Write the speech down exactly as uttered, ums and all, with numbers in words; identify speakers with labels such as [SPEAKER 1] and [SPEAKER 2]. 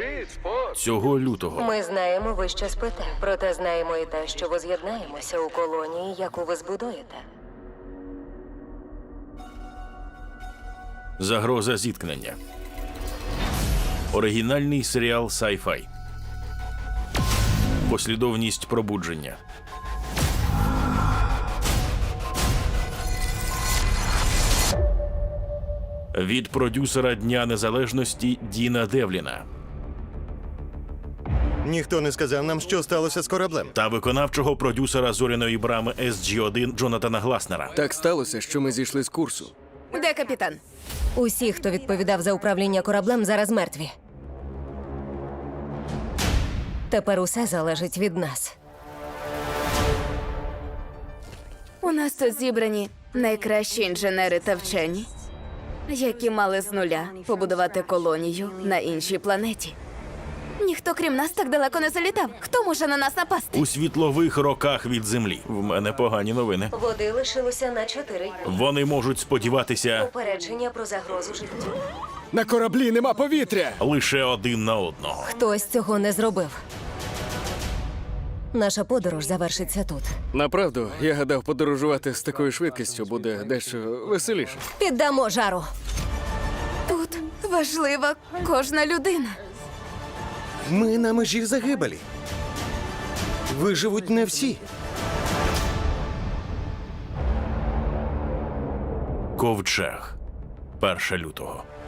[SPEAKER 1] Цього лютого
[SPEAKER 2] Ми знаємо, ви що спите. Проте знаємо і те, що ви з'єднаємося у колонії, яку ви збудуєте.
[SPEAKER 1] загроза зіткнення. Оригінальний серіал Sci-Fi. Послідовність пробудження. Від продюсера Дня Незалежності Діна Девліна
[SPEAKER 3] Ніхто не сказав нам, що сталося з кораблем.
[SPEAKER 1] та виконавчого продюсера зоряної брами Ес Джі один Джонатана Гласнера.
[SPEAKER 4] Так сталося, що ми зійшли з курсу.
[SPEAKER 5] Де капітан?
[SPEAKER 2] Усі, хто відповідав за управління кораблем, зараз мертві. Тепер усе залежить від нас.
[SPEAKER 5] У нас тут зібрані найкращі інженери та вчені, які мали з нуля побудувати колонію на іншій планеті. Ніхто, крім нас, так далеко не залітав. Хто може на нас напасти?
[SPEAKER 1] У світлових роках від Землі. В мене погані новини.
[SPEAKER 2] Води лишилося на чотири дні.
[SPEAKER 1] Вони можуть сподіватися
[SPEAKER 2] Попередження про загрозу життю.
[SPEAKER 4] На кораблі нема повітря!
[SPEAKER 1] лише один на одного.
[SPEAKER 2] Хтось цього не зробив. Наша подорож завершиться тут.
[SPEAKER 4] Направду, я гадав, подорожувати з такою швидкістю буде дещо веселіше.
[SPEAKER 2] Піддамо жару.
[SPEAKER 5] Тут важлива кожна людина.
[SPEAKER 3] Ми на межі загибелі. Виживуть не всі.
[SPEAKER 1] Ковчег. першого лютого.